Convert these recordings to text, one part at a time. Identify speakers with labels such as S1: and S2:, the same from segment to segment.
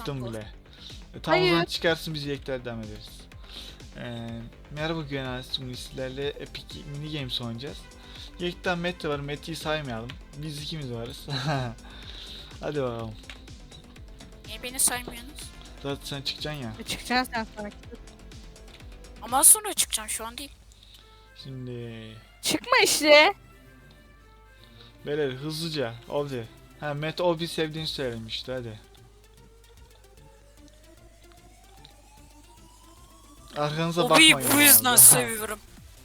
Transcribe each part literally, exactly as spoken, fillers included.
S1: çıktım bile. E, tam o
S2: Hayır.
S1: zaman çıkarsın, biz yekler devam ederiz. Ee, merhaba Güven Ailesi, bugün sizlerle Epic Mini Games oynayacağız. Yekten Mete var, Mete'yi saymayalım. Biz ikimiz varız. Hadi bakalım.
S3: Niye beni saymıyorsunuz?
S1: Zaten sen çıkacaksın ya.
S2: E, çıkacaksın sen sonra.
S3: Ama az sonra çıkacağım, şu an değil.
S1: Şimdi...
S2: Çıkma işte.
S1: Beyler hızlıca. Obi. Ha, Mete Obi sevdiğini söylemişti, hadi. Arkanıza bakmayın.
S3: Obi'yi bu yüzden
S1: abi.
S3: seviyorum.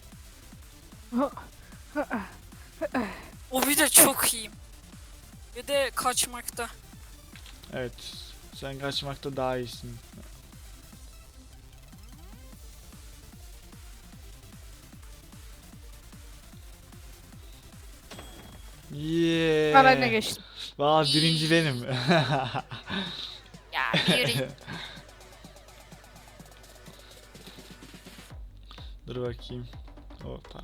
S3: Obi de çok iyiyim. Ve de kaçmakta.
S1: Evet. Sen kaçmakta daha iyisin. Yeah.
S2: Ha ben de geçtim.
S1: Valla birinci benim.
S3: Ya yürü.
S1: Dur bakayım. O para.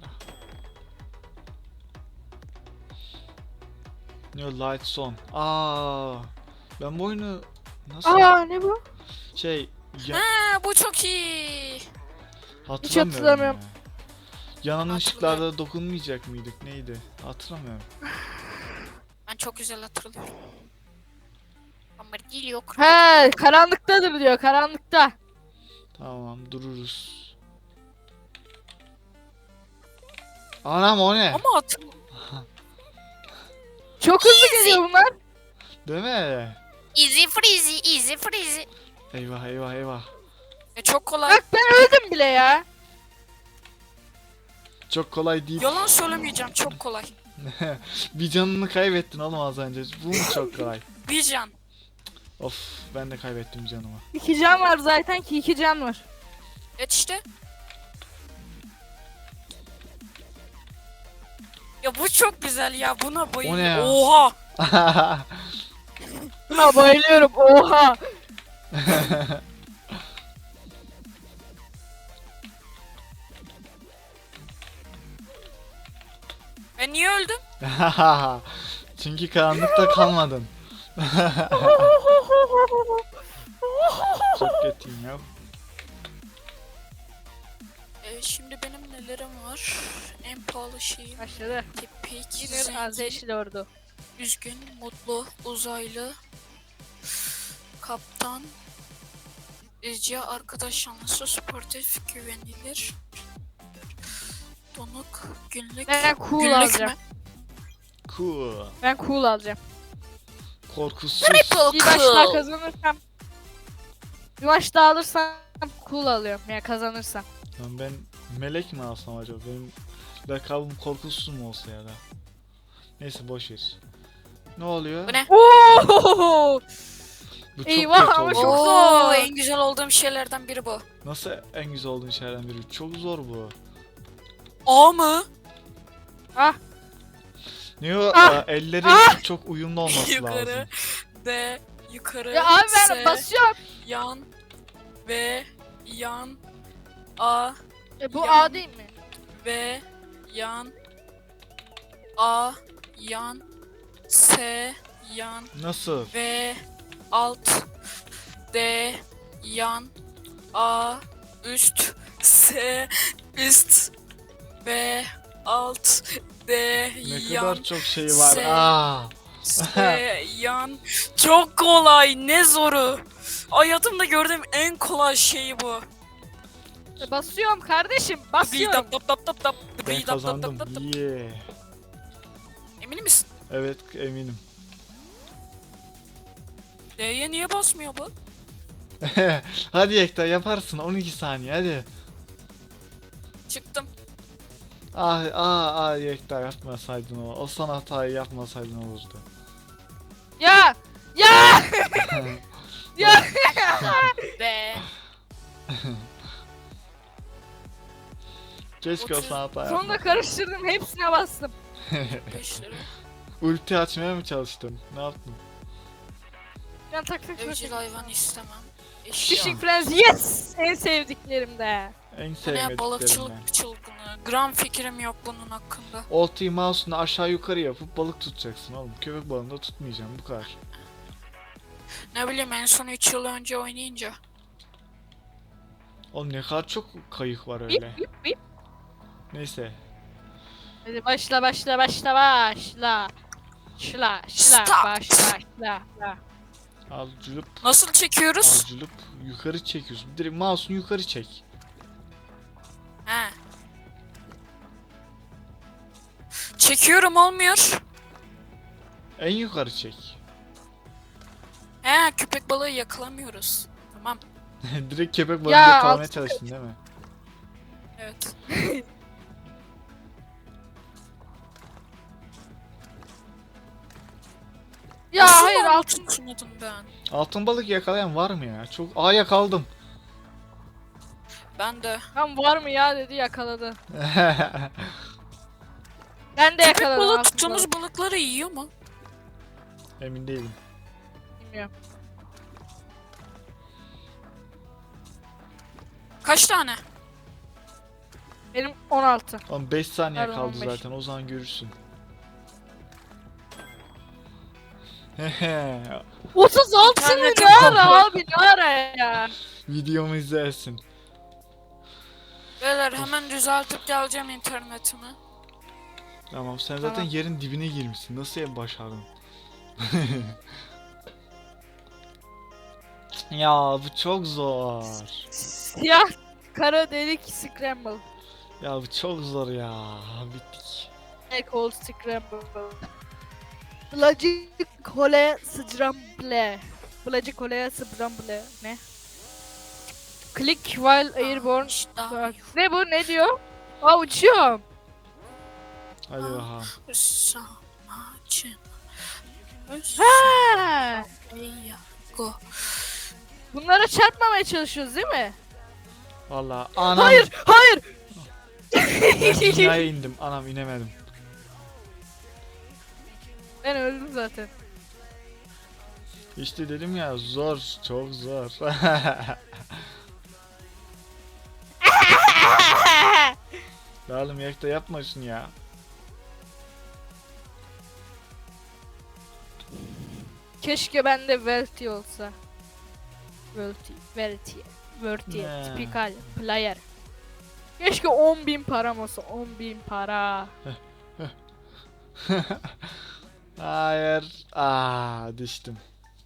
S1: New Lights On. Aa, ben bu oyunu nasıl
S2: Aa ne bu?
S1: şey ya,
S3: Ha, bu çok iyi.
S1: hatırlamıyorum.
S2: hatırlamıyorum.
S1: Ya. Yanan
S3: Hatırlıyorum.
S1: ışıklarda dokunmayacak mıydık? Neydi? Hatırlamıyorum.
S3: Ben çok güzel hatırlıyorum. Ama değil yok.
S2: He karanlıktadır diyor, karanlıkta.
S1: Tamam, dururuz. Anam, o ne?
S3: Ama hatırlıyorum.
S2: Çok hızlı
S3: Easy.
S2: geliyor bunlar.
S1: Değil mi?
S3: Easy freezy, easy freezy.
S1: Eyvah eyvah eyvah.
S3: E, çok kolay.
S2: Bak ben öldüm bile ya.
S1: Çok kolay değil.
S3: Yalan söylemeyeceğim, çok kolay.
S1: Bir canını kaybettin oğlum az önce. Bu mu çok kolay?
S3: Bir can.
S1: Of, ben de kaybettim canımı.
S2: İki can var zaten ki iki can var.
S3: Evet işte. Ya bu çok güzel ya, buna bayılıyorum.
S1: O ne ya?
S3: Oha.
S2: Buna bayılıyorum, oha.
S3: Ben niye öldüm?
S1: Çünkü karanlıkta kalmadın. Çok kötüyüm ya.
S3: E, şimdi benim nelerim var? En pahalı şeyim.
S2: Başladı.
S3: Tipik,
S2: Yine
S3: zengin,
S2: Azeşli ordu.
S3: üzgün, mutlu, uzaylı, kaptan, izci, arkadaş yanlısı, sportif, güvenilir, donuk, günlük,
S2: Ben cool
S3: günlük
S2: alacağım.
S3: mü?
S1: Cool.
S2: Ben cool alacağım.
S1: Korkusuz.
S2: Bir maç daha kazanırsam. Bir maç daha alırsam cool alıyorum ya, kazanırsam.
S1: Lan ben melek mi alsam acaba? Benim lakabım korkusuz mu olsa ya da? Neyse, boş ver. Ne oluyor?
S3: Bu ne?
S2: Oo!
S1: Bu çok
S2: Eyvah,
S1: kötü
S2: ama
S1: oldu.
S2: çok
S3: Oo,
S2: zor.
S3: en güzel olduğum şeylerden biri bu.
S1: Nasıl en güzel olduğun şeylerden biri? Çok zor bu.
S3: A mı?
S2: Ah,
S1: Ne o?
S2: Ah!
S1: Aa, elleri
S2: Ah!
S1: çok uyumlu olması
S3: Yukarı,
S1: lazım.
S3: D, yukarı,
S2: ya abi ben
S3: S,
S2: basıyorum.
S3: yan, V, yan, A,
S2: E, bu
S3: Ya.
S2: A değil mi?
S3: V, yan, A, yan, S, yan,
S1: Nasıl?
S3: V, alt, D, yan, A, üst, S, üst, V, alt, D,
S1: Ne
S3: yan,
S1: kadar çok şey var.
S3: S.
S1: Aa.
S3: S, yan. Çok kolay, ne zoru. Hayatımda gördüğüm en kolay şey bu.
S2: E, basıyorum kardeşim,
S3: Bi
S2: basıyorum.
S3: tap tap tap tap tap.
S1: Ben
S3: Bi tap tap
S1: kazandım.
S3: tap tap.
S1: Yeah.
S3: Emin misin?
S1: Evet, eminim.
S3: D'ye niye basmıyor bu?
S1: Hadi Ekta, yaparsın. on iki saniye hadi.
S3: Çıktım.
S1: Ah ah ah Ekta, yapmasaydın o. O son hatayı yapmasaydın olurdu.
S2: Ya! Ya! Ya!
S3: D.
S1: Keşke o
S3: Otuz-
S1: son hatayı
S2: Sonunda
S1: yapma.
S2: karıştırdım, hepsine bastım.
S3: beş lira.
S1: Ulti açmaya mı çalıştın? Ne yaptın?
S2: Ben tak tak tak.
S3: Evcil hayvan istemem. Eşya.
S2: Fishing Friends, yes! En sevdiklerimde.
S1: En
S3: Bu ne ya,
S1: sevmediklerimden.
S3: balıkçılık çılgını. Gram fikrim yok bunun hakkında.
S1: Oltayı mouse'unu aşağı yukarı yapıp balık tutacaksın oğlum. Köpek balığını da tutmayacaksın, bu kadar.
S3: Ne bileyim en son üç yıl önce oynayınca.
S1: Oğlum ne kadar çok kayık var
S2: Bip
S1: öyle.
S2: bip bip.
S1: Neyse.
S2: Hadi başla başla başla başla. Şla şla
S3: Stop.
S2: başla şla. şla.
S1: Al cılıp.
S3: Nasıl çekiyoruz?
S1: Al cılıp. Yukarı çekiyorsun. Direkt mouse'unu yukarı çek.
S3: He. Çekiyorum olmuyor.
S1: En yukarı çek.
S3: He köpek balığı yakalamıyoruz. Tamam.
S1: Direkt köpek balığı
S2: Ya,
S1: yakalamaya
S2: alt-
S1: çalıştın değil mi?
S3: Evet.
S2: Ya
S3: Nasıl
S2: hayır
S3: onu
S2: altın.
S3: tutmadım ben.
S1: Altın balık yakalayan var mı ya? Çok Aa yakaladım.
S3: Ben de.
S2: Tam var mı ya dedi yakaladı. Ben de
S3: Köpek
S2: yakaladım
S3: balığı
S2: altın
S3: tuttuğumuz
S2: balığı.
S3: balıkları yiyor mu?
S1: Emin değilim.
S2: Bilmiyorum.
S3: Kaç tane?
S2: Benim on altı.
S1: Oğlum beş saniye
S2: Pardon,
S1: kaldı
S2: on beş.
S1: zaten. O zaman görürsün.
S2: otuz altı mı
S3: İnternetim
S2: ne ara
S1: kapalı.
S2: abi ne ara ya.
S1: Videomu izlersin.
S3: Beyler hemen düzeltip geleceğim internetimi.
S1: Tamam sen zaten
S2: Tamam.
S1: yerin dibine girmişsin. Nasıl ya başardın? Ya bu çok zor.
S2: Siyah kara delik scramble.
S1: Ya bu çok zor ya. Bittik.
S2: Black hole scramble. Blacı kole scramble. Blacı kole scramble. Ne? Click while airborne.
S3: İşte
S2: Bak, ne bu ne diyor? Aa uçuyorum.
S1: Hadi bakalım.
S3: Samacın.
S2: Ha!
S3: Go.
S2: Bunlara çarpmamaya çalışıyoruz değil mi?
S1: Valla anam.
S2: Hayır, hayır.
S1: Ben dünyaya indim. Anam inemedim.
S2: Ben öldüm zaten.
S1: İşte dedim ya zor. Çok zor. Ya oğlum yakta yapma şunu ya.
S2: Keşke bende Verti olsa. Verti, Verti, Verti,
S1: Ne?
S2: typical player. Keşke on bin param olsa, on bin para.
S1: Hayır. Aa düştüm.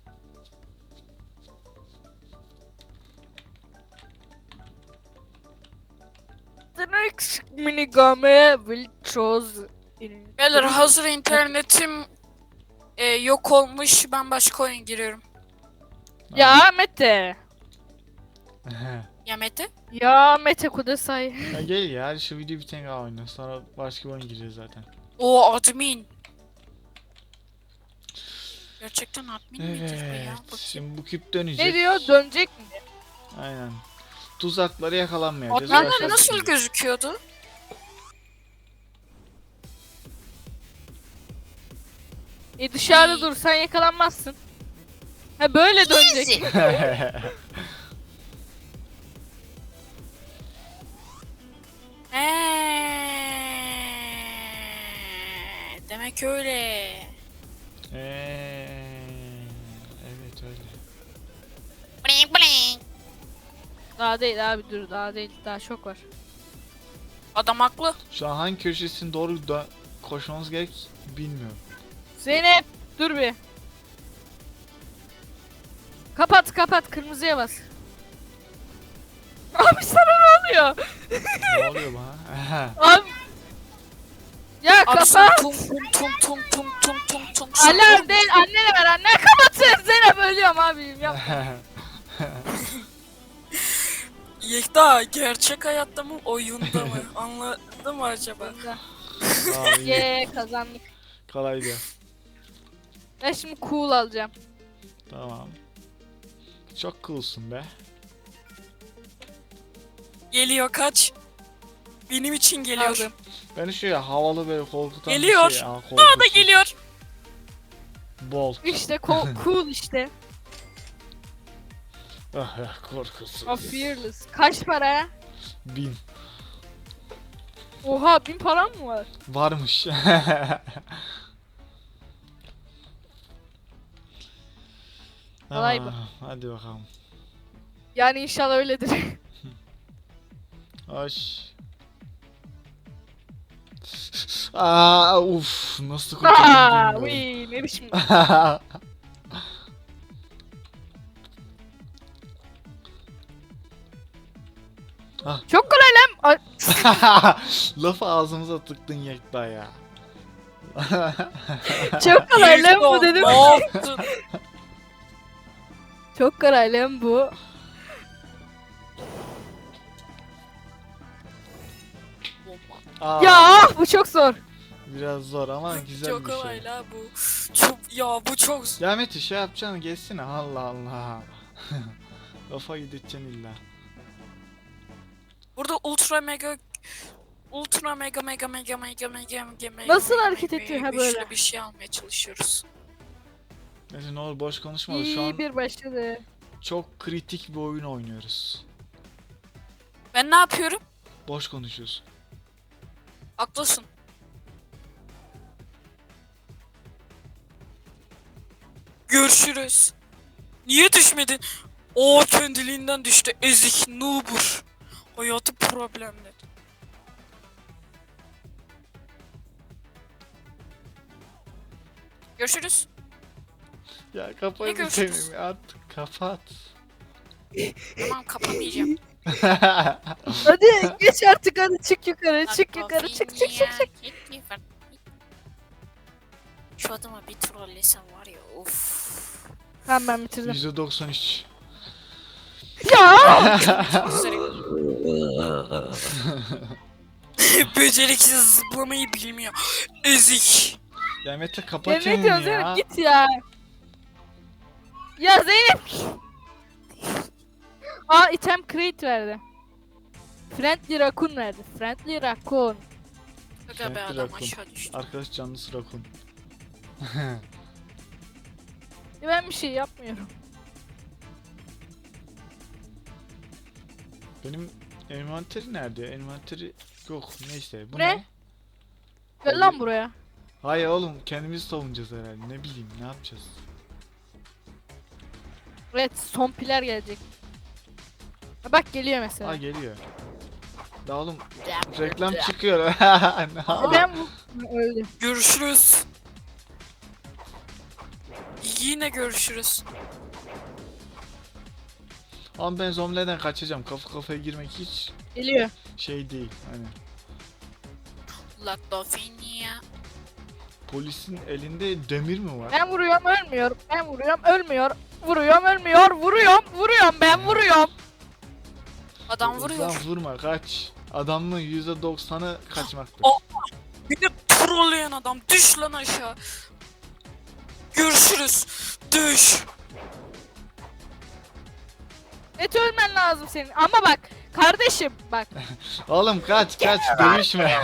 S2: The next minigame will choose in...
S3: Beyler hazır internetim e, yok olmuş. Ben başka oyun giriyorum.
S2: Ya Mete.
S3: Ya Mete?
S2: Ya Mete Kudasay.
S1: Ya gel ya hadi şu video bitene kadar oyna. Sonra başka bir oyun gireceğiz zaten.
S3: O admin. Gerçekten admin midir be ya?
S1: Evet.
S3: Bakayım.
S1: Şimdi bu küp dönecek.
S2: Ne diyor? Dönecek mi?
S1: Aynen. Tuzaklara yakalanmayacağız.
S3: Adminler
S1: Başka
S3: nasıl
S1: bir şey.
S3: gözüküyordu?
S2: E dışarıda dursan yakalanmazsın. Ha böyle dönecek.
S3: Eee, demek öyle.
S1: Eee, evet öyle.
S3: Bling bling.
S2: Daha değil abi dur daha değil daha çok var.
S3: Adam haklı.
S1: Şu an hangi köşesine doğru dö- koşmamız gerek bilmiyorum.
S2: Zeynep dur bir. Kapat kapat kırmızıya bas. Abi sana ne oluyor?
S1: Ne oluyor bana?
S2: Abi. Ya
S3: Abi sen
S2: kapat.
S3: tum tum tum tum tum tum tum tum.
S2: Alarm değil annene ver anne kapatın. Zeynep ölüyorum abim ya.
S3: Yekta gerçek hayatta mı oyunda mı? Anladın mı acaba?
S1: Aa, iyi.
S2: Ye kazandık.
S1: Kolaydı.
S2: Ben şimdi cool alacağım.
S1: Tamam. Çok coolsun be.
S3: Geliyor kaç. Benim için geliyor.
S2: Aldım.
S1: Beni şu ya havalı böyle korkutan
S3: Geliyor.
S1: bir şey. Aa,
S3: Aa da
S1: korkusuz.
S3: geliyor.
S1: Bolt.
S2: İşte co- cool işte.
S1: Ah ya korkusuz.
S2: O fearless. Kaç para?
S1: Bin.
S2: Oha bin param mı var?
S1: Varmış.
S2: Olay bu.
S1: Tamam. Hadi bakalım.
S2: Yani inşallah öyledir.
S1: Hoş. Aa, uf, nasıl
S2: Aa,
S1: kurtuldum
S2: uy,
S1: bilmiyorum.
S2: ne biçim. Çok kolay lan. Ay,
S1: Lafı ağzımıza tıktın Yekta ya.
S2: çok kolay lan bu dedim.
S3: Ne yaptın?
S2: Çok kolay lan bu.
S1: Aa,
S2: Ya bu çok zor.
S1: biraz zor ama güzel
S3: Çok
S1: bir şey.
S3: kolay la bu. Çok ya bu çok.
S1: Ya Mete şey yapacaksın geçsene Allah Allah. Lafa gideceksin illa.
S3: Burada ultra mega ultra mega mega mega mega mega mega mega
S2: Nasıl
S3: mega
S2: hareket
S3: mega
S2: ediyor ha
S3: güçlü
S2: böyle?
S3: bir şey almaya çalışıyoruz.
S1: Mete ne olur boş konuşma şu
S2: İyi
S1: an
S2: bir başladı.
S1: çok kritik bir oyun oynuyoruz.
S3: Ben ne yapıyorum?
S1: Boş konuşuyorsun.
S3: Haklısın. Görüşürüz. Niye düşmedin? O kendiliğinden düştü. Ezik noobur. Hayatı problemli. Görüşürüz.
S1: Ya
S3: Ne
S1: kafayı
S3: görüşürüz?
S1: seveyim artık kapat.
S3: Tamam kapamayacağım.
S2: Hadi geç artık hadi çık yukarı çık yukarı çık çık çık çık.
S3: Şu adama bir trollesem var ya of.
S2: Tamam ben bitirdim.
S1: yüzde doksan üç.
S2: Ya!
S3: Beceriksiz zıplamayı bilmiyor. Ezik.
S1: Ya Mete
S2: Ya
S1: kapat
S2: ne
S1: çeneni
S2: diyorsun
S1: ya.
S2: Zeynep git ya. Ya Zeynep. Aa item crate verdi. Friendly Raccoon verdi. Friendly Raccoon.
S3: Aga be
S1: Friendly
S3: adam
S1: Raccoon.
S3: aşağı düştü.
S1: Arkadaş canlısı rakun.
S2: Ya ben bir şey yapmıyorum.
S1: Benim envanteri nerede? Envanteri yok neyse. Bu
S2: Ne?
S1: ne?
S2: Gel lan buraya.
S1: Hayır oğlum kendimizi savunacağız herhalde. Ne bileyim ne yapacağız?
S2: Evet son piler gelecek. Ha, bak geliyor mesela.
S1: Aa geliyor. Ya oğlum reklam çıkıyor. Ne
S2: Ya
S1: yapayım?
S2: ben bu öldü.
S3: Görüşürüz. Yine görüşürüz.
S1: Ama ben zombilerden kaçacağım. Kafa kafaya girmek hiç
S2: Geliyor.
S1: şey değil. Hani
S3: Latofinia.
S1: polisin elinde demir mi var?
S2: Ben vuruyorum ölmüyor. Ben vuruyorum ölmüyor. Vuruyorum ölmüyor. Vuruyorum vuruyorum ben vuruyorum.
S3: Adam
S1: Lan
S3: vuruyor.
S1: vurma kaç. Adamın yüzde doksanı kaçmaktır.
S3: O- Bir de trolleyen adam. Düş lan aşağı. Görüşürüz. Düş.
S2: Et ölmen lazım senin. Ama bak kardeşim bak.
S1: Oğlum kaç kaç dövüşme.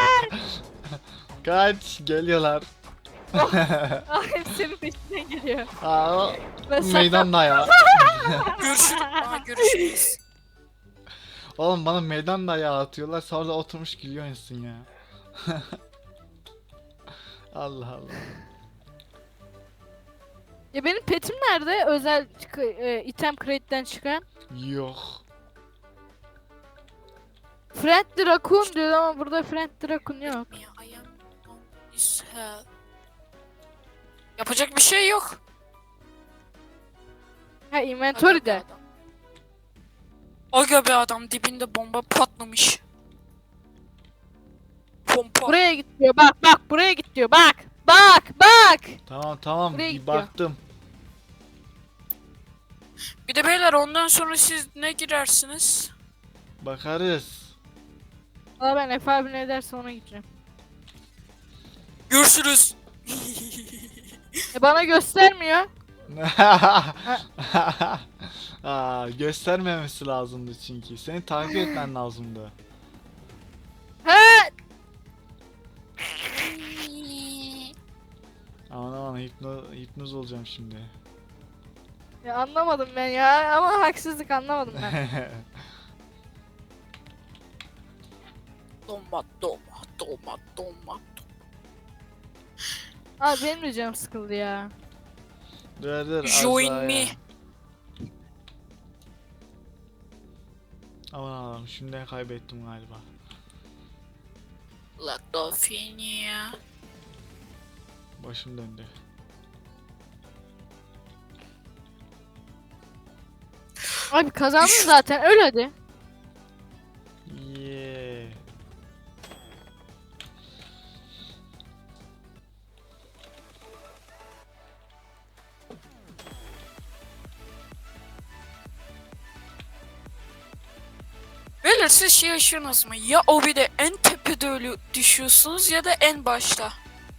S1: Kaç geliyorlar.
S2: Ay senin peşinden geliyor.
S1: Aa, o
S2: Ben sana-
S1: meydan dayağı.
S3: Görüşürüz. Aa, görüşürüz.
S1: Oğlum bana meydan dayağı atıyorlar sonra da oturmuş gülüyorsun ya. Allah Allah.
S2: Ya benim petim nerede? Özel çık- e, item crate'den çıkan.
S1: Yok.
S2: Friendly Raccoon diyor ama burada Friendly Raccoon yok.
S3: Ya, I am on this hell. Yapacak bir şey yok.
S2: Ha
S3: Aga
S2: inventory'de.
S3: be adam. Aga be adam dibinde bomba patlamış. Pompa.
S2: Buraya git diyor. Bak bak buraya git diyor. Bak. Bak bak.
S1: Tamam tamam
S2: Buraya
S1: bir
S2: gidiyor.
S1: baktım.
S3: Bir de beyler ondan sonra siz ne girersiniz?
S1: Bakarız.
S2: Valla ben Efe abi ne derse ona gideceğim.
S3: Görüşürüz.
S2: E bana göstermiyor.
S1: Aa, göstermemesi lazımdı çünkü. Seni takip etmen lazımdı.
S2: He.
S1: Aman aman hipno, hipnoz olacağım şimdi.
S2: Ya anlamadım ben ya ama haksızlık anlamadım ben.
S3: Doma doma doma doma.
S2: Abi benim de canım sıkıldı ya.
S1: Dur dur. az
S3: Join
S1: daha
S3: me.
S1: ya. Aman Allah'ım şimdiden kaybettim galiba.
S3: Latofenia.
S1: Başım döndü.
S2: Abi kazandın zaten öl hadi.
S1: Yeah.
S3: Beyler siz şey yaşıyorsunuz mu? Ya o bir de en tepede ölü düşüyorsunuz ya da en başta.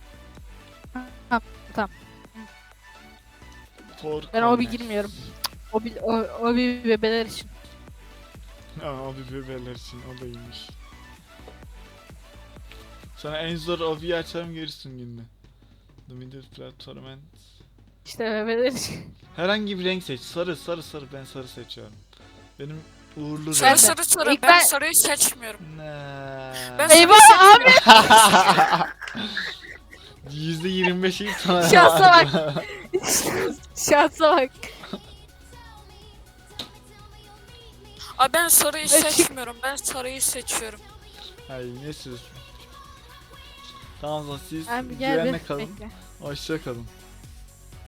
S1: For
S2: Ben o bir
S1: corner.
S2: girmiyorum. O bir o, o bir bebeler için.
S1: Aa, abi bebeler için o da iyiymiş. Sana en zor obiyi açarım görürsün günde. The middle platform and...
S2: İşte bebeler için.
S1: Herhangi bir renk seç. Sarı sarı sarı ben sarı seçiyorum. Benim uğurlu
S3: Sarı
S1: renk.
S3: sarı sarı.
S2: İlk
S3: Ben,
S2: ben-
S3: sarıyı seçmiyorum.
S1: Ne?
S3: Ben
S2: Eyvah abi.
S1: yüzde yirmi beşi sana
S2: Şansa
S1: bak.
S2: Şansa bak.
S3: Aa, ben sarıyı
S2: Açık.
S3: seçmiyorum. Ben sarıyı seçiyorum.
S1: Hayır ne söz. Tamam o zaman siz
S2: Abi gel
S1: güvenle
S2: bir
S1: kalın.
S2: bekle.
S1: Hoşça kalın.